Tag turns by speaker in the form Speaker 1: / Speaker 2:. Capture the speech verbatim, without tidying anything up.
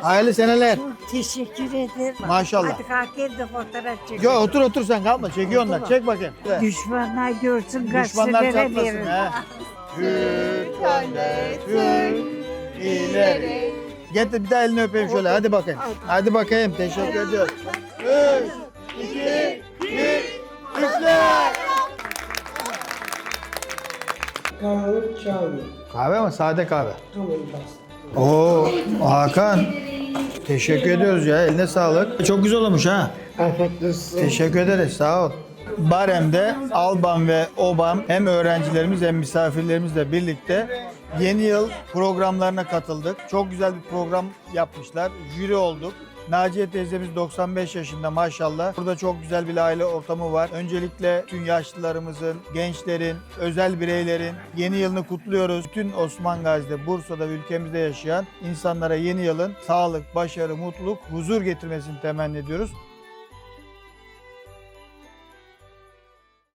Speaker 1: Hayırlı seneler.
Speaker 2: Çok teşekkür ederim.
Speaker 1: Maşallah.
Speaker 2: Hadi kalk gel de fotoğraf çekelim.
Speaker 1: Yo, otur otur sen kalkma. Çekiyor onlar. Çek bakayım.
Speaker 2: Düşmanlar görsün
Speaker 1: Düşmanlar
Speaker 2: gazetelere
Speaker 1: çatlasın.
Speaker 2: verin.
Speaker 1: He. Türk önde, Türk ileri. Getir bir daha elini öpeyim şöyle. Hadi bakayım. Hadi bakayım. Teşekkür ediyorum. Üç, iki, bir, üçler.
Speaker 3: Kahve çay.
Speaker 1: Kahve mi? Sade kahve.
Speaker 3: Tamam bastım.
Speaker 1: Oo, Hakan. Teşekkür ediyoruz ya. Eline sağlık. Çok güzel olmuş ha.
Speaker 3: Afiyet olsun.
Speaker 1: Teşekkür ederiz. Sağ ol. Barem'de Alban ve Obam hem öğrencilerimiz hem misafirlerimizle birlikte yeni yıl programlarına katıldık. Çok güzel bir program yapmışlar. Jüri olduk. Naciye teyzemiz doksan beş yaşında maşallah. Burada çok güzel bir aile ortamı var. Öncelikle bütün yaşlılarımızın, gençlerin, özel bireylerin yeni yılını kutluyoruz. Bütün Osman Gazi'de, Bursa'da ve ülkemizde yaşayan insanlara yeni yılın sağlık, başarı, mutluluk, huzur getirmesini temenni ediyoruz.